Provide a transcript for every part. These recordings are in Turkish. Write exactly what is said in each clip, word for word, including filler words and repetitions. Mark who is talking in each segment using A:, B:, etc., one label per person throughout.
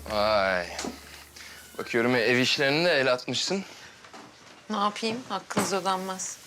A: Vay. Bakıyorum ev işlerine de el atmışsın.
B: Ne yapayım? Hakkınız ödenmez.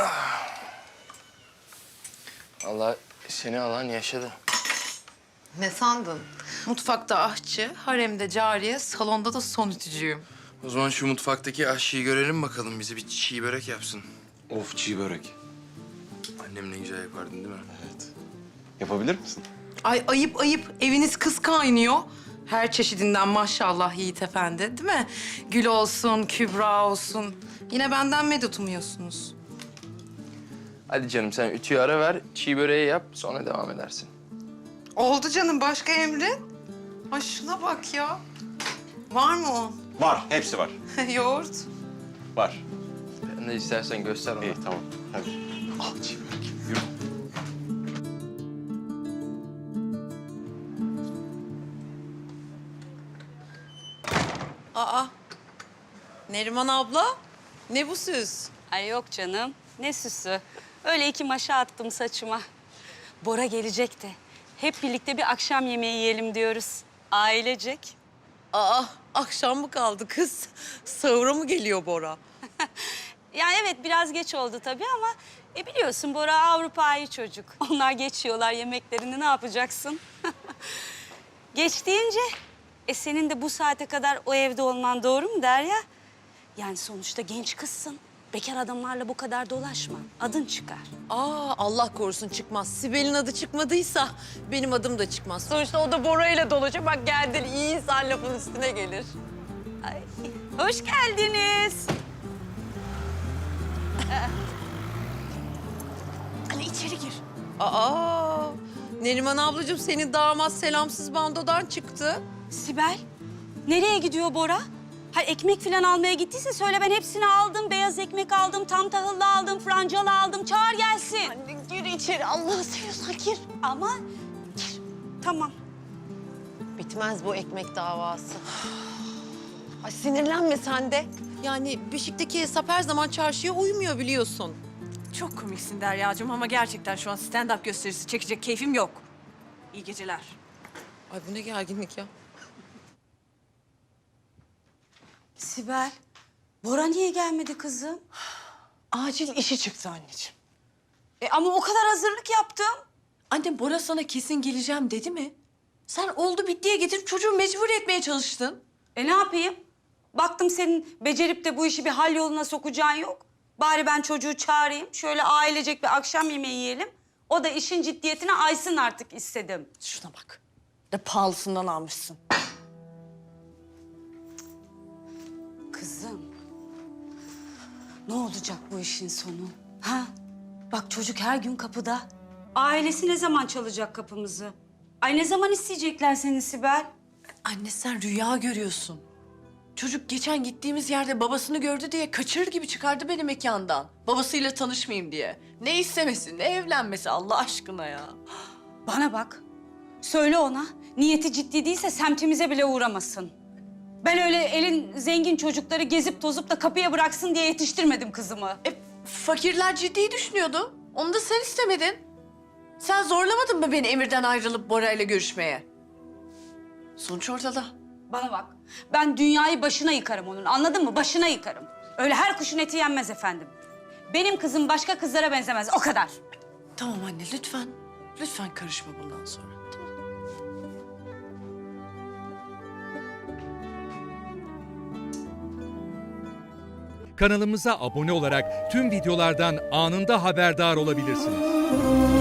A: Allah seni alan yaşadı.
B: Ne sandın? Mutfakta aşçı, haremde cariye, salonda da son ütücüyüm.
A: O zaman şu mutfaktaki aşçıyı görelim bakalım. Bize bir çiğ börek yapsın.
C: Of, çiğ börek.
A: Annem ne güzel yapardın değil mi?
C: Evet. Yapabilir misin?
B: Ay ayıp ayıp. Eviniz kız kaynıyor. Her çeşidinden maşallah Yiğit Efendi, değil mi? Gül olsun, Kübra olsun. Yine benden medet umuyorsunuz.
A: Hadi canım sen ütüyü ara ver, çiğ böreği yap. Sonra devam edersin.
B: Oldu canım. Başka emrin? Ay şuna bak ya. Var mı o?
C: Var, hepsi var.
B: Yoğurt.
C: Var.
A: Ben de istersen göster ona.
C: İyi, tamam. Hadi. Al çiğ börek. Yürü.
B: Aa. Neriman abla. Ne bu süs?
D: Ay yok canım. Ne süsü. Öyle iki maşa attım saçıma. Bora gelecek de. Hep birlikte bir akşam yemeği yiyelim diyoruz. Ailecek.
B: Aa, akşam mı kaldı kız? Sahura mı geliyor Bora?
D: Ya evet biraz geç oldu tabii ama... E biliyorsun Bora Avrupa'yı çocuk. Onlar geçiyorlar yemeklerini ne yapacaksın? Geç deyince... E senin de bu saate kadar o evde olman doğru mu Derya? Yani sonuçta genç kızsın. Bekar adamlarla bu kadar dolaşma. Adın çıkar.
B: Aa, Allah korusun çıkmaz. Sibel'in adı çıkmadıysa benim adım da çıkmaz. Sonuçta o da Bora ile dolaşıyor. Bak geldin, iyi insan lafın üstüne gelir.
D: Ay, hoş geldiniz.
B: Hani içeri gir. Aa, Neriman ablacığım senin damat selamsız bandodan çıktı.
D: Sibel, nereye gidiyor Bora? Ha ekmek falan almaya gittiyse söyle ben hepsini aldım. Beyaz ekmek aldım, tam tahıllı aldım, francalı aldım. Çağır gelsin.
B: Anne gir içeri, Allah'ı seviyorsan gir.
D: Ama gir. Tamam.
B: Bitmez bu ekmek davası. Ay sinirlenme sen de. Yani Beşik'teki hesap her zaman çarşıya uymuyor biliyorsun.
E: Çok komiksin Derya'cığım ama gerçekten şu an stand-up gösterisi çekecek keyfim yok. İyi geceler.
B: Ay bu ne gerginlik ya.
D: Sibel, Bora niye gelmedi kızım?
E: Acil işi çıktı anneciğim.
D: E ama o kadar hazırlık yaptım.
E: Annem Bora sana kesin geleceğim dedi mi? Sen oldu bittiye getirip çocuğu mecbur etmeye çalıştın.
D: E ne yapayım? Baktım senin becerip de bu işi bir hal yoluna sokacağın yok. Bari ben çocuğu çağırayım, şöyle ailecek bir akşam yemeği yiyelim. O da işin ciddiyetine aysın artık istedim.
E: Şuna bak. De pahalısından almışsın.
D: Kızım, ne olacak bu işin sonu? Ha? Bak çocuk her gün kapıda. Ailesi ne zaman çalacak kapımızı? Ay ne zaman isteyecekler seni Sibel?
E: Anne sen rüya görüyorsun. Çocuk geçen gittiğimiz yerde babasını gördü diye kaçırır gibi çıkardı beni mekandan. Babasıyla tanışmayayım diye. Ne istemesi, ne evlenmesi Allah aşkına ya.
D: Bana bak. Söyle ona. Niyeti ciddi değilse semtimize bile uğramasın. Ben öyle elin zengin çocukları gezip tozup da kapıya bıraksın diye yetiştirmedim kızımı.
E: E, fakirler ciddi düşünüyordu. Onu da sen istemedin. Sen zorlamadın mı beni Emir'den ayrılıp Bora'yla görüşmeye? Sonuç ortada.
D: Bana bak. Ben dünyayı başına yıkarım onun. Anladın mı? Başına yıkarım. Öyle her kuşun eti yenmez efendim. Benim kızım başka kızlara benzemez. O kadar.
E: Tamam anne lütfen. Lütfen karışma bundan sonra. Tamam.
F: Kanalımıza abone olarak tüm videolardan anında haberdar olabilirsiniz.